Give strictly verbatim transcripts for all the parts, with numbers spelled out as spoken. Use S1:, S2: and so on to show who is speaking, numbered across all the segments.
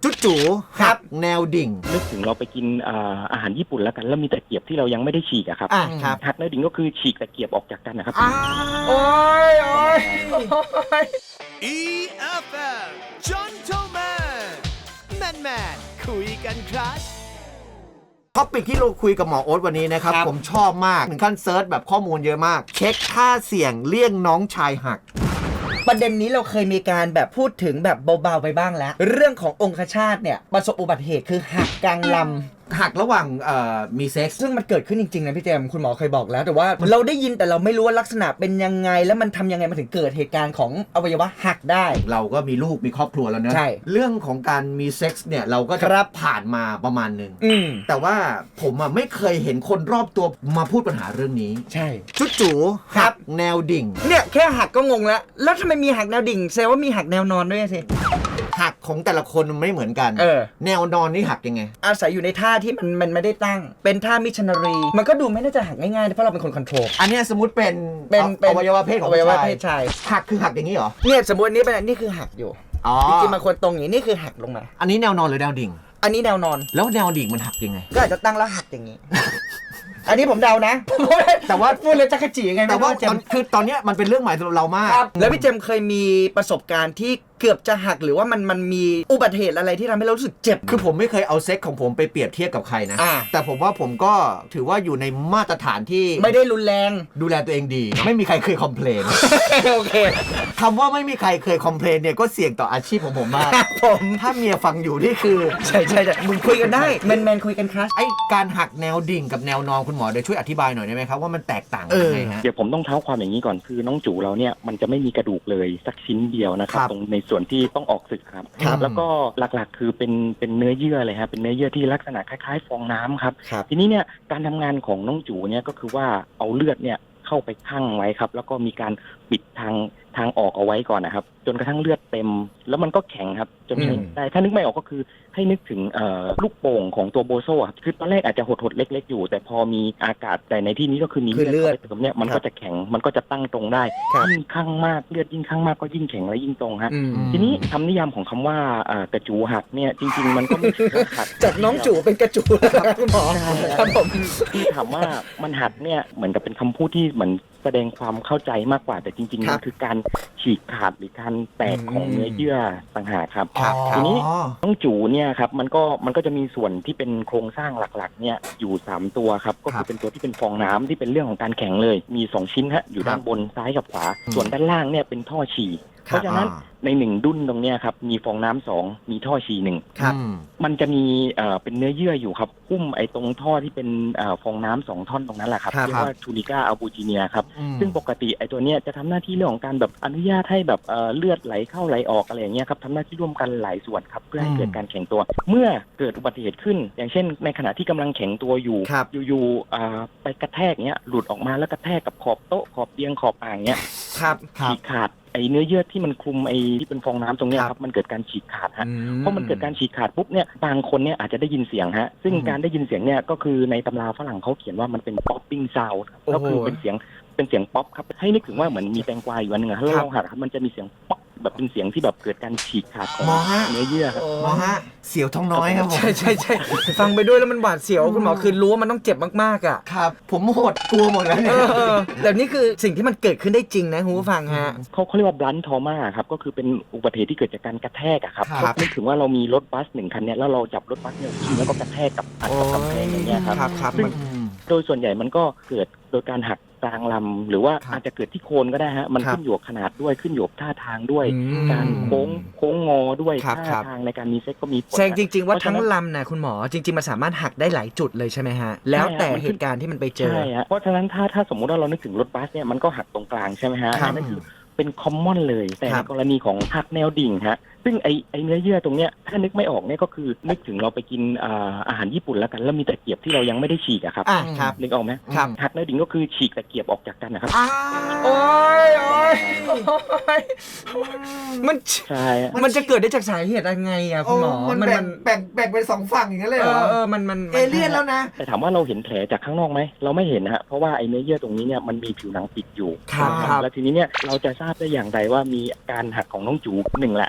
S1: จุ๊จูหักแนวดิ่ง
S2: นึกถึงเราไปกินอาหารญี่ปุ่นแล้วกันแล้วมีตะเกียบที่เรายังไม่ได้ฉีกอะครับหักแนวดิ่งก็คือฉีกตะเกียบออกจากกันนะครับ
S1: โอ้ยโอ้ย
S3: อี เอฟ เอ็ม Gentleman Man Man คุยกันครับ
S1: ท็อปิกที่เราคุยกับหมอโอ๊ตวันนี้นะครับผมชอบมากถึงขั้นเซิร์ชแบบข้อมูลเยอะมากเช็คค่าเสี่ยงเลี่ยงน้องชายหัก
S4: ประเด็นนี้เราเคยมีการแบบพูดถึงแบบเบาๆไปบ้างแล้วเรื่องขององคชาตเนี่ยประสบอุบัติเหตุคือหักกลางลำ
S1: หักระหว่างมีเซ็กซ์
S4: ซึ่งมันเกิดขึ้นจริงๆนะพี่เจมคุณหมอเคยบอกแล้วแต่ว่าเราได้ยินแต่เราไม่รู้ว่าลักษณะเป็นยังไงแล้วมันทำยังไงมาถึงเกิดเหตุการณ์ของอวัยวะหักได้
S1: เราก็มีลูกมีครอบครัวแล้วเนอะ
S4: ใช่
S1: เรื่องของการมีเซ็กซ์เนี่ยเราก็จะผ่านมาประมาณหนึ่งแต่ว่าผมอ่ะไม่เคยเห็นคนรอบตัวมาพูดปัญหาเรื่องนี้
S4: ใช่
S1: จุ๊จูหักแนวดิ่ง
S4: เนี่ยแค่หักก็งงแล้วแล้วทำไมมีหักแนวดิ่งแสดงว่ามีหักแนวนอนด้วยสิ
S1: หักของแต่ละคนมันไม่เหมือนกัน
S4: เออ
S1: แนวนอนนี่หักยังไง
S4: อาศัยอยู่ในท่าที่มันมันไม่ได้ตั้งเป็นท่ามิชชันนารีมันก็ดูไม่น่าจะหักง่ายๆเพราะเราเป็นคนคอนโทรล
S1: อันนี้สมมติเป็น
S4: เป็น
S1: อวัยวะเพศของ
S4: อวัยวะเพศชาย
S1: หักคือหักอย่างนี้เหรอ
S4: เนี่ยสมมตินี้เป็นนี่คือหักอยู่จริงๆบางคนตรงอย่างนี้นี่คือหักลงมา
S1: อันนี้แนวนอนหรือแนวดิ่ง
S4: อันนี้แนวนอน
S1: แล้วแนวดิ่งมันหักยังไง
S4: ก็อาจจะตั้งแล้วหักอย่างนี้อันนี้ผมเดานะ
S1: แต่ว่า
S4: พูดเลยจักรจีไง
S1: แต่ว่าคือตอนนี้มันเป็นเรื่องใหม่สำหรับเรามาก
S4: แล้วพี่เจมเคยมีประสบการณ์ที่เกือบจะหักหรือว่ามันมันมีอุบัติเหตุอะไรที่ทำให้เรารู้สึกเจ็บ
S1: คือผมไม่เคยเอาเซ็กของผมไปเปรียบเทียบกับใครนะแต่ผมว่าผมก็ถือว่าอยู่ในมาตรฐานที่
S4: ไม่ได้รุนแรง
S1: ดูแลตัวเองดีไม่มีใครเคยคอมเพลน
S4: โอเค
S1: คำว่าไม่มีใครเคยคอมเพลนเนี่ยก็เสี่ยงต่ออาชีพของผมมาก
S4: ผม
S1: ถ้าเมียฟังอยู่นี่คือ
S4: ใช่ใช่มึงคุยกันได้แมนแมนคุยกันครับ
S1: ไอ้การหักแนวดิ่งกับแนวนอนคุณหมอเดี๋ยวช่วยอธิบายหน่อยได้ไหมครับว่ามันแตกต่างยังไงฮะ
S2: เดี๋ยวผมต้องเท้าความอย่างนี้ก่อนคือน้องจูเราเนี่ยมันจะไม่มีกระดูกเลยสักชิ้นเดียวนะครับตรงในส่วนที่ต้องออกศึกครับแล้วก็หลักๆคือเป็นเป็นเนื้อเยื่อเลยครับเป็นเนื้อเยื่อที่ลักษณะคล้ายๆฟองน้ำครับทีนี้เนี่ยการทำงานของน้องจูเนี่ยก็คือว่าเอาเลือดเนี่ยเข้าไปคั่งไว้ครับแล้วก็มีการปิดทางทางออกเอาไว้ก่อนนะครับจนกระทั่งเลือดเต็มแล้วมันก็แข็งครับจนใช้ได้ถ้านึกไม่ออกก็คือให้นึกถึงลูกโป่งของตัวโบโซ่ครับคือตอนแรกอาจจะหดๆเล็กๆอยู่แต่พอมีอากาศแต่ในที่นี้ก็คือมี
S4: เลือด
S2: เข้าไปเติมเนี่ยมันก็จะแข็งมันก็จะตั้งตรงได้ยิ่งคั่งมากเลือดยิ่งคั่งมากก็ยิ่งแข็งและยิ่งตรงฮะทีนี้คำนิยามของคำว่ากระจูหักเนี่ยจริงๆมันก็ไม่ถึงหัก
S4: จากน้องจูเป็นกระจูคุณหมอครับผม
S2: ที่ถามว่ามันหักเนี่ยเหมือนกับเป็นคำพูดที่เหมือนแสดงความเข้าใจมากกว่าแต่จริงๆมันคือการฉีกขาดหรือการแตกของเนื้อเยื่อต่างหากครับทีนี้น้องจูเนี่ยครับมันก็มันก็จะมีส่วนที่เป็นโครงสร้างหลักๆเนี่ยอยู่สามตัวครับก็คือเป็นตัวที่เป็นฟองน้ำที่เป็นเรื่องของการแข็งเลยมีสองชิ้นฮะอยู่ด้านบนซ้ายกับขวาส่วนด้านล่างเนี่ยเป็นท่อฉี่เพราะฉะนั้นในหนึ่งดุ้นตรงเนี้ยครับมีฟองน้ำสองมีท่อฉี่หนึ่งมันจะมีเอ่อเป็นเนื้อเยื่ออยู่ครับหุ้มไอ้ตรงท่อที่เป็นเอ่อฟองน้ำสองท่อนตรงนั้นแหละครับเรียกว่าทูนิก้าอัลบูจิเนียครับซึ่งปกติไอ้ตัวเนี้ยจะทำหน้าที่เรื่องของการแบบอนุญาตให้แบบเอ่อเลือดไหลเข้าไหลออกอะไรอย่างเงี้ยครับทำหน้าที่ร่วมกันหลายส่วนครับเพื่อให้เกิดการแข็งตัวเมื่อเกิดอุบัติเหตุขึ้นอย่างเช่นในขณะที่กำลังแข็งตัวอยู่อยู่ๆอ่าไปกระแทกเนี้ยหลุดออกมาแล้วกระแทกกับขอบโต๊ะขอบเตียงขอบอ่างเนี้ยฉีกขาดไอ้เนื้อเยื่อที่มันคลุมไอ้ที่เป็นฟองน้ำตรงนี้ครับมันเกิดการฉีกขาดฮะเพราะมันเกิดการฉีกขาดปุ๊บเนี่ยบางคนเนี่ยอาจจะได้ยินเสียงฮะซึ่งการได้ยินเสียงเนี่ยก็คือในตำราฝรั่งเขาเขียนว่ามันเป็น popping sound ก็คือเป็นเสียงเป็นเสียงป๊อปครับให้นึกถึงว่าเหมือนมีแตงกวาอยู่อันนึงอะถ้าเราหัดครับมันจะมีเสียงป๊อปแบบเป็นเสียงที่แบบเกิดการฉีกขาดของเนื้อเยื่อครับ
S1: หมอฮะเสียวท้องน้อยครับผม
S4: ใช่ใช่ใช่ฟังไปด้วยแล้วมันหวาดเสียวคุณหมอคือรู้ว่ามันต้องเจ็บมากๆอ่ะ
S1: ครับผมโหดกลัวหมดแล้วเนี่ย
S4: แต่นี่คือสิ่งที่มันเกิดขึ้นได้จริงนะคุณผู้ฟังฮะ
S2: เขาเขาเรียกว่า blunt trauma ครับก็คือเป็นอุบัติเหตุที่เกิดจากการกระแทกอะครับนึกถึงว่าเรามีรถบัสหนึ่งคันเนี่ยแล้วเราจับรถบัสเนี่ยแล้วก็กระแทกกับอัดกับกำแพงอย่างเงี้ยครับซึ่งโดยส่วนใหญ่มันก็เกิดโดยการหักกลางลำหรือว่าอาจจะเกิดที่โคนก็ได้ฮะมันขึ้นอยู่กับขนาดด้วยขึ้นอยู่กับท่าทางด้วยการโค้งโค้งงอด้วยท่าทางในการมีเซ็กก็มีผล
S4: แสดงจริงๆว่าทั้งลำนะคุณหมอจริงๆมันสามารถหักได้หลายจุดเลยใช่ไหมฮะแล้วแต่เหตุการณ์ที่มันไปเจอ
S2: ใช่ฮะเพราะฉะนั้นถ้าถ้าสมมุติว่าเรานึกถึงรถบัสเนี่ยมันก็หักตรงกลางใช่ไหมฮะนั่นคือเป็นคอมมอนเลยแต่ในกรณีของหักแนวดิ่งฮะซึ่งไอไอเนื้อเยื่อตรงเนี้ยถ้านึกไม่ออกเนี่ยก็คือนึกถึงเราไปกินอาหารญี่ปุ่นแล้วกันแล้วมีตะเกียบที่เรายังไม่ได้ฉีกอะครับนึกออกไหมหักแนวดิ่งก็คือฉีกตะเกียบออกจากกันนะครับ
S4: โอ้ยโอ้ยมัน
S2: ใช่
S4: มันจะเกิดได้จากสาเหตุยังไงอะคุณหมอ
S1: มันแบ่งแบ่งเป็นสองฝั่งอย่างนั้นเลยเหรอ
S4: เออมันมัน
S1: เอเลี่ยนแล้วนะ
S2: แต่ถามว่าเราเห็นแผลจากข้างนอกไหมเราไม่เห็นฮะเพราะว่าไอเนื้อเยื่อตรงนี้เนี่ยมันมีผิวหนังปิดอยู่แล้วทีนี้เนี่ยเราจะทราบได้อย่างไรว่ามีการหักของน้องจูหนึ่งแหละในระหว่าง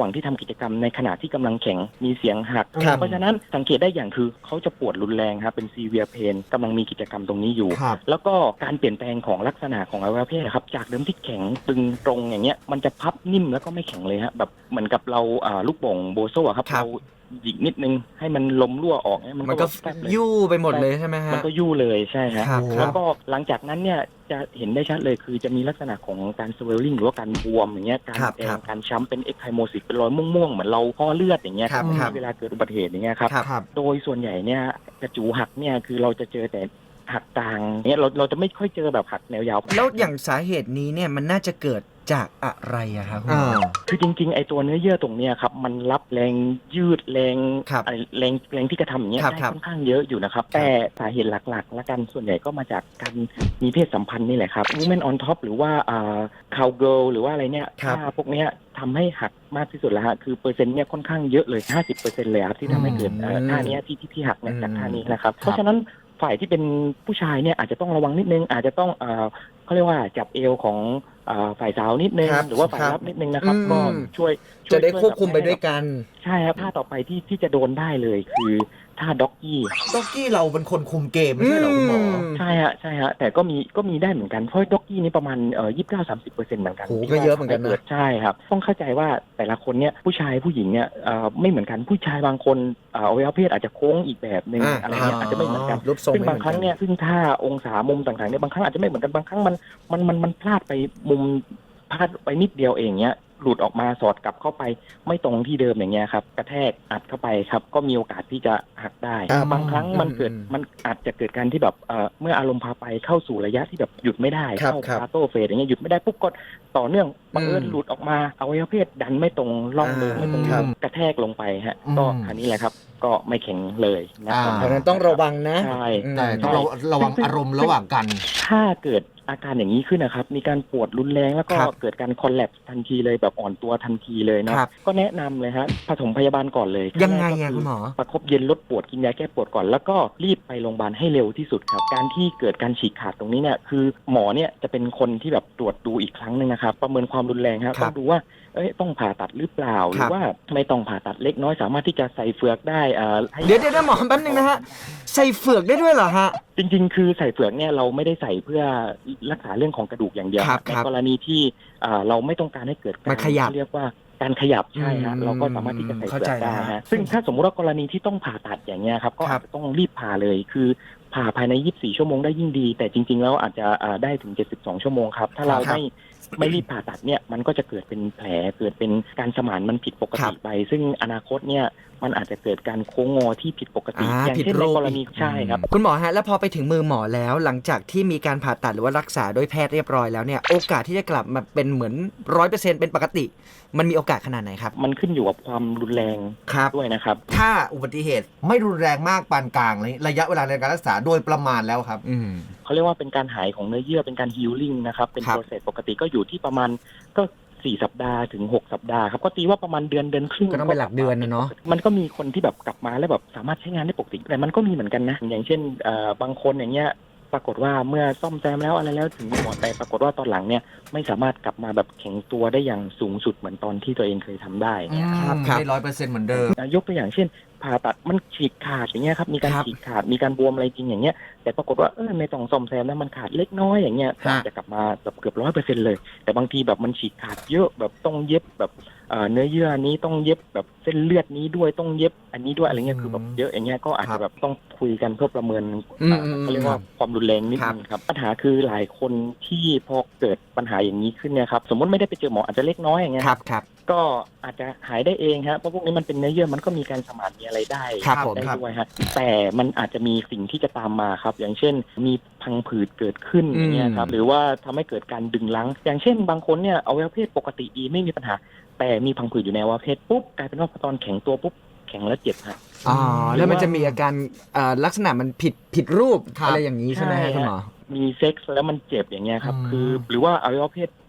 S2: ว่างที่ทำกิจกรรมในขณะที่กำลังแข็งมีเสียงหัก
S1: ครับ
S2: เพราะฉะนั้นสังเกตได้อย่างคือเขาจะปวดรุนแรงครับเป็นซีเวียเพนกำลังมีกิจกรรมตรงนี้อยู่
S1: ครับ
S2: แล้วก็การเปลี่ยนแปลงของลักษณะของอวัยวะเพศครับจากเดิมที่แข็งตึงตรงอย่างเงี้ยมันจะพับนิ่มแล้วก็ไม่แข็งเลยฮะแบบเหมือนกับเราอ่าลูกโป่งโบโซ่อะครับ
S4: ครับ
S2: เราหยิกนิดนึงให้มันลมรั่วออกเนี่ยมัน
S4: มัน
S2: ก็
S4: ก็
S2: แฟบเลย
S4: ยู่ไปหมดเลยใช่ไหมฮะ
S2: มันก็ยู่เลยใช่ฮะ
S4: ครับค
S2: แล้
S4: รั
S2: ว
S4: บ
S2: ก็หลังจากนั้นเนี่ยจะเห็นได้ชัดเลยคือจะมีลักษณะของการ swelling หรือว่าการบวมอย่างเงี้ยการ
S4: ครับ
S2: แด
S4: ครั
S2: ง
S4: บ
S2: การช้ำเป็น echymosis เป็นรอยม่วงๆเหมือนเราห่อเลือดอย่างเงี้ย
S4: ครับครับ
S2: เวลาเกิดอุบัติเหตุอย่างเงี้ยครับ
S4: ครับ
S1: ครับ
S2: โดยส่วนใหญ่เนี่ยกระจูหักเนี่ยคือเราจะเจอแต่หักกลางเนี่ยเราเราจะไม่ค่อยเจอแบบหักแนวยาว
S4: แล้วอย่างสาเหตุนี้เนี่ยมันน่าจะเกิดจากอะไรอะครับคุณหม
S1: อ่า
S4: อ
S2: คือจริงๆไอตัวเนื้อเยื่อตรงเนี้ยครับมันรับแรงยืดแรง
S4: ครับ
S2: ไอ้แรงแรงที่กระทำอย่างเงี้ย
S4: ครับ
S2: ได้
S4: ครับ
S2: ค่อนข้างเยอะอยู่นะครับแต่สาเหตุหลักๆ และกันส่วนใหญ่ก็มาจากการมีเพศสัมพันธ์นี่แหละครับ women on top หรือว่าอ่า cowgirl หรือว่าอะไรเนี่ย
S4: ครับ
S2: ถ้าพวกเนี้ยทำให้หักมากที่สุดแล้วฮะคือเปอร์เซ็นต์เนี่ยค่อนข้างเยอะเลย ห้าสิบเปอร์เซ็นต์ เลยครับที่ทำให้เกิดเอ่อท่าเนี้ยที่ที่ที่หักเนี่ยจากท่านี้นะครับเพราะฉะนั้นฝ่ายที่เป็นผู้ชายเนี่ยอาจจะต้องระวังนิดนึงอาจจะต้องเอ่อเขาเรียกว่าจับเอวของเอ่อฝ่ายสาวนิดนึง
S4: ครับ
S2: หรือว่าฝ่าย
S4: ครับ
S2: รับนิดนึงนะครับ
S4: อืม
S2: ก็ช่วยช่
S4: จะ
S2: วย
S4: ได้
S2: ช่วย
S4: ควบคุมไป
S2: แบบ
S4: ด้วยกัน
S2: ใช่ครับท่าต่อไปที่ที่จะโดนได้เลยคือท่าด็อกกี้
S1: ด็อกกี้เราเป็นคนคุมเกมไม่ใช่เหรอคุณหมอ
S2: ใช่ฮะใช่ฮะแต่ก็มีก็มีได้เหมือนกันเพราะด็อกกี้นี่ประมาณเอ่อยี่สิบเก้าสามสิบเปอร์เซ็นต์เหมือนกัน
S4: โหก็เยอะเหมือนกันนะ
S2: ที่ว่าทำให้กิดใช่ครับต้องเข้าใจว่าแต่ละคนเนี่ยผู้ชายผู้หญิงเนี่ยเอ่อไม่เหมือนกันผู้ชายบางคนเอ่ออวัยวะเพศอาจจะโค้งอีกแบบหนึ่ง
S4: อ่า
S2: อะไรเงี้ยอาจจะไม่เหมือนกัน
S4: รูปทรง
S2: ซึ่ง
S4: ไม่
S2: บาง
S4: เหมือน
S2: ครั้ง
S4: กัน
S2: เนี่ยซึ่งท่าองศามุมต่างๆเนี่ยบางครั้งอาจจะไม่เหมือนกันบางครั้งมันมันมันมันพลาดไปมุมพลาดไปนิดเดียวเองเนี้ยหลุดออกมาสอดกลับเข้าไปไม่ตรงที่เดิมอย่างเงี้ยครับกระแทกอัดเข้าไปครับก็มีโอกาสที่จะหักได้
S4: อ่า
S2: บางครั้งมันเกิด
S4: อืม
S2: มันอาจจะเกิดการที่แบบเอ่อเมื่ออารมณ์พาไปเข้าสู่ระยะที่แบบหยุดไม่ได้
S4: ครับ
S2: เข้า
S4: ครับ
S2: คาโตเฟสอย่างเงี้ยหยุดไม่ได้ปุ๊บก็ต่อเนื่องบังเอิญ
S4: อืม
S2: หลุดออกมาอวัยวะเพศดันไม่ตรงร่องเดิม
S4: อ่า
S2: ไม่ตรง
S4: ครับ
S2: กระแทกลงไปฮะ
S1: อืม
S2: ก็อันนี้แหละครับก็ไม่แข็งเลยนะครับ
S1: อ่า
S4: เพราะฉะนั้นต้องระวังนะ
S2: ใช่
S4: อืม
S1: แต่ต้องระระวังอารมณ์ระหว่างกัน
S2: ถ้าเกิดอาการอย่างนี้ขึ้นนะครับ มีการปวดรุนแรงแล้วก็
S4: ครับ
S2: เกิดการคอลแลปส์ทันทีเลยแบบอ่อนตัวทันทีเลยเนาะ
S4: ครับ
S2: ก็แนะนำเลยฮะผสมพยาบาลก่อนเลย
S4: ยังไง
S2: ขั้นแรก
S4: อะ
S2: ก็
S4: คุณหมอ
S2: ประคบเย็นลดปวดกินยาแก้ปวดก่อน แล้วก็รีบไปโรงพยาบาลให้เร็วที่สุดครับ การที่เกิดการฉีกขาดตรงนี้เนี่ยคือหมอเนี่ยจะเป็นคนที่แบบตรวจดูอีกครั้งหนึ่งนะครับ ประเมินความรุนแรงครับ
S4: ครั
S2: ต้อบ งดูว่าเอ้ยต้องผ่าตัดหรือเปล่าห
S4: ค
S2: รื
S4: รั
S2: อบ ว่าไม่ต้องผ่าตัดเล็กน้อยสามารถที่จะใส่เฟือกได้อ่าให้
S4: เดี๋ยวเดี๋ยวหมอแป๊บนึงนะฮะ ใส่เฟือกได้ด้วยเหรอฮะ
S2: จริงๆ คือใส่เฟือกเนี่ยเราไม่ได้ใส่เพื่อรักษาเรื่องของกระดูกอย่างเดียว
S4: ครับ
S2: ใน
S4: ครับ
S2: กรณีที่อ่าเราไม่ต้องการให้เกิดการ
S4: มันขยับ
S2: เรียกว่าการขยับใช่ฮะ
S4: อืม
S2: เราก็สามารถที่จะใส่
S4: เข้า
S2: เฟือ
S4: ใจ
S2: กได้
S4: แล้วฮะ
S2: ฮะซึ่งถ้าสมมุติว่ากรณีที่ต้องผ่าตัดอย่างเงี้ยครับก็
S4: ครั
S2: อา
S4: บ
S2: จจะต้องรีบผ่าเลยคือผ่าภายในยี่สิบสี่ชั่วโมงได้ยิ่งดี แต่จริง ๆ แล้วอาจจะอ่าได้ถึงเจ็ดสิบสองชั่วโมงครับถ้าเรา
S4: ครับ
S2: ไม่ไม่รีบผ่าตัดเนี่ยมันก็จะเกิดเป็นแผลเกิดเป็นการสมานมันผิดปก
S4: ครั
S2: ติ
S4: บ
S2: ไป ซึ่งอนาคตเนี่ยมันอาจจะเกิดการโค้งงอที่ผิดปกติ
S4: อ่า
S2: อย่าง
S4: ผิด
S2: เช่น
S4: รู
S2: ใน
S4: ป
S2: กรณีใช่ครับ
S4: คุณหมอฮะแล้วพอไปถึงมือหมอแล้วหลังจากที่มีการผ่าตัดหรือว่ารักษาโดยแพทย์เรียบร้อยแล้วเนี่ยโอกาสที่จะกลับมาเป็นเหมือนร้อยเปอร์เซ็นต์เป็นปกติ มันมีโอกาสขนาดไหนครับ
S2: มันขึ้นอยู่กับความรุนแรง
S4: ครับ
S2: ด้วยนะครับ
S1: ถ้าอุบัติเหตุไม่รุนแรงมากปานกลางเลยระยะเวลาในการรักษาโดยประมาณแล้วครับ
S4: อืม
S2: เขาเรียกว่าเป็นการหายของเนื้อเยื่อเป็นการฮีลลิ่งนะครับ เป็น
S4: ครับ
S2: โปรเซสปกติก็อยู่ที่ประมาณก็สี่สัปดาห์ถึงหกสัปดาห์ครับก็ตีว่าประมาณเดือนเดือนครึ่ง
S4: ก็ต้องเป็นหลักเดือนนะเนาะ
S2: มันก็มีคนที่แบบกลับมาแล้วแบบสามารถใช้งานได้ปกติแต่มันก็มีเหมือนกันนะอย่างเช่นเอ่อบางคนอย่างเงี้ยปรากฏว่าเมื่อซ่อมแซมแล้วอะไรแล้วถึงหมอแต่ปรากฏว่าตอนหลังเนี่ยไม่สามารถกลับมาแบบแข็งตัวได้อย่างสูงสุดเหมือนตอนที่ตัวเองเคยทำได้เนี่ย
S4: ครับครับ
S1: ไม่ร้อยเปอร์เซ็นต์เหมือนเดิม
S2: ยกตัวอย่างเช่นผ่าตัดมันฉีกขาดอย่างเงี้ยครับมีการ
S4: ครับ
S2: ฉีกขาดมีการบวมอะไรจริงอย่างเงี้ยแต่ปรากฏว่าเออไม่ต้องซ่อมแซมแล้วมันขาดเล็กน้อยอย่างเงี้ยก็อาจจะกลับมาแบบเกือบร้อยเปอร์เซ็นต์เลยแต่บางทีแบบมันฉีกขาดเยอะแบบต้องเย็บแบบเอ่อเนื้อเยื่อนี้ต้องเย็บแบบเส้นเลือดนี้ด้วยต้องเย็บอันนี้ด้วยอะไรเงี้ยคือแบบเยอะอย่างเงี้ยก็อาจจะแบบต้องคุยกันเพื่อประเมิน
S4: อืม
S2: อ่า
S4: อืม
S2: เขาเรียกว่าความรุนแรงนิด
S4: ครับ
S2: นึงครับปัญหาคือหลายคนที่พอเกิดปัญหาอย่างนี้ขึ้นเนี่ยครับสมมติไม่ได้ไปเจอหมออาจจะเล็กน้อยอย่างเงี้ย
S4: ครับครับ
S2: ก็อาจจะหายได้เองครับเพราะพวกนี้มันเป็นเนื้อเยื่อมันก็มีการสมานมีอะไรได้
S4: ครับผม
S2: ได้
S1: ครับ
S2: ด้วยฮะแต่มันอาจจะมีสิ่งที่จะตามมาครับ อย่างเช่น มีพังผืดเกิดขึ้น
S4: อืม
S2: อย่างเงี้ยครับหรือว่าทำให้เกิดการดึงรั้ง อย่างเช่น บางคนเนี่ยอวัยวะเพศปกติดีไม่มีปัญหา แต่มีพังผืดอยู่ในอวัยวะเพศปุ๊บกลายเป็นว่าพอตอนแข็งตัวปุ๊บแข็งแล้วเจ็บฮะ
S4: อ๋อแล้วมันจะมีอาการเอ่อลักษณะมันผิดผิดรูป
S1: ครับ
S4: อะไรอย่างนี้ใช่ไหมฮะ
S2: ใช่
S4: คุณหมอ
S2: มีเซ็กซ์แล้วมันเจ็บอย่างเงี้ยครับ
S1: อืม
S2: คือหรือว่าอวัยวะเพศ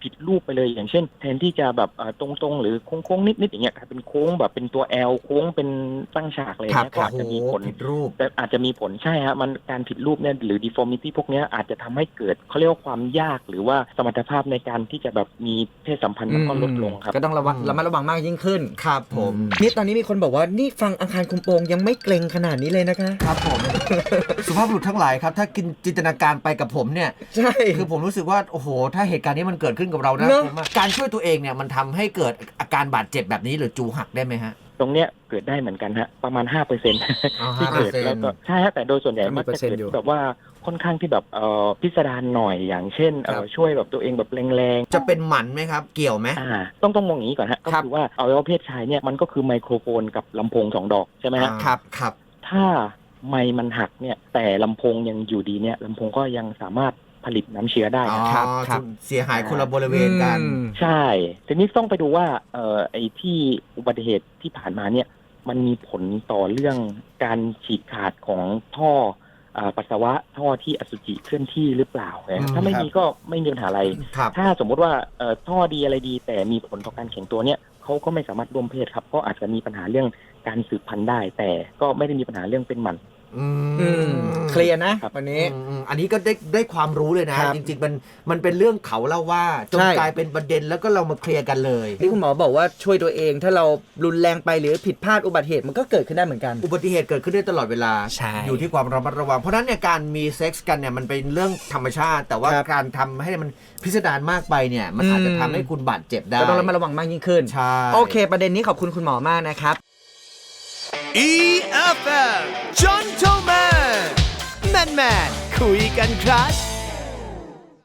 S2: ผิดรูปไปเลยอย่างเช่นแทนที่จะแบบตรงๆหรือโค้งๆนิดๆอย่างเงี้ยกลายเป็นโค้งแบบเป็นตัว L โค้งเป็นตั้งฉากเลยเนี่ยก็อาจจะมีผล
S1: ผิดรูป
S2: แต่อาจจะมีผลใช่ฮะมันการผิดรูปเนี่ยหรือ deformity พวกเนี้ยอาจจะทำให้เกิดเขาเรียกว่าความยากหรือว่าสมรรถภาพในการที่จะแบบมีเพศสัมพันธ์มันก็ลดลงครับ
S4: ก็ต้องระวัง
S1: อืม
S4: ระมัดระวังมากยิ่งขึ้น
S1: ครับผม
S4: นี่ตอนนี้มีคนบอกว่านี่ฟังอังคารคุมโปงยังไม่เกรงขนาดนี้เลยนะคะ
S1: ครับผม สุภาพบุรุษทั้งหลายครับ ถ้ากินจินตนาการไปกับผมเนี่ย
S4: ใช่
S1: คือผมรู้สึกว่า โอ้โห ถ้าเหตุการณ์นี้มันเกิดขึ้นกับเรานะ
S4: เนอะ
S1: ผมว่าการช่วยตัวเองเนี่ยมันทำให้เกิดอาการบาดเจ็บแบบนี้หรือจูหักได้ไหมฮะ
S2: ตรงเนี้ยเกิดได้เหมือนกันฮะประมาณ ห้าเปอร์เซ็นต์
S1: อ๋อ
S2: ที่เกิด
S1: ห้าเปอร์เซ็นต์
S2: แล้วก็ใช่ฮะแต่โดยส่วนใหญ่
S4: ก็มี
S2: มัก
S4: เปอ
S2: จะ
S4: ร์เซ็นต์
S2: เกิด
S4: อยู่
S2: แบบว่าค่อนข้างที่แบบเอ่อพิสดารหน่อยอย่างเช่นเอ่
S1: ครั
S2: อบ ช่วยแบบตัวเองแบบแรงๆ
S1: จะเป็นหมันไหมครับ เกี่ยวไหม
S2: อ่าต้องต้องมองอย่างนี้ก่อนฮะก็
S1: ครับ
S2: คือว่าอวัยวะเพศชายเนี่ยมันก็คือไมโครโฟนกับลำโพงสองดอกใช่ไหมฮะ
S1: อ่าครับครับ
S2: ถ้าไมค์มันหักเนี่ยแต่ลำโพงยังอยู่ดีเนี่ยลำโพงก็ยังสามารถผลิตน้ำเชื้อได้
S1: อ๋อ
S2: ครับ
S4: ครับ
S1: เสียหายคนละบริเวณกัน
S4: อืม
S2: ใช่ทีนี้ต้องไปดูว่าเอ่อไอ้ที่อุบัติเหตุที่ผ่านมาเนี่ยมันมีผลต่อเรื่องการฉีกขาดของท่ออ่าปัสสาวะท่อที่อสุจิเคลื่อนที่หรือเปล่า
S1: อืม
S2: ถ้าไม่
S1: ครับ
S2: มีก็ไม่มีปัญหาอะไร
S1: ครับ
S2: ถ้าสมมุติว่าเอ่อท่อดีอะไรดี แต่มีผลต่อการแข็งตัวเนี่ยเขาก็ไม่สามารถร่วมเพศครับก็อาจจะมีปัญหาเรื่องการสืบพันธุ์ได้ แต่ก็ไม่ได้มีปัญหาเรื่องเป็นหมัน
S1: อื
S4: อืม
S1: ม
S4: เคลียร์นะวันนี้
S1: อืมอืมอันนี้ก็ได้ได้ความรู้เลยนะ
S4: ครับ
S1: จริงๆ มันมันเป็นเรื่องเขาเล่าว่าจน
S4: ใช่
S1: กลายเป็นประเด็นแล้วก็เรามาเคลียร์กันเลย
S4: ที่คุณหมอบอกว่าช่วยตัวเองถ้าเรารุนแรงไปหรือผิดพลาดอุบัติเหตุมันก็เกิดขึ้นได้เหมือนกัน
S1: อุบัติเหตุเกิดขึ้นได้ตลอดเวลา
S4: ใช่
S1: อยู่ที่ความระมัดระวัง เพราะฉะนั้นเนี่ยการมีเซ็กส์กันเนี่ยมันเป็นเรื่องธรรมชาติ แต่ว่า
S4: ครับ
S1: การทำให้มันพิสดารมากไปเนี่ยมันอาจจะทำให้คุณบาดเจ็บได้
S4: ก็ต้องระมัดระวังมากยิ่งขึ้น
S1: ใช่
S4: โอเค ประเด็นนี้ขอบคุณคุณหมอมากนะครับ
S3: อี เอฟ เอ็ม Gentleman Man Man คุยกันครับ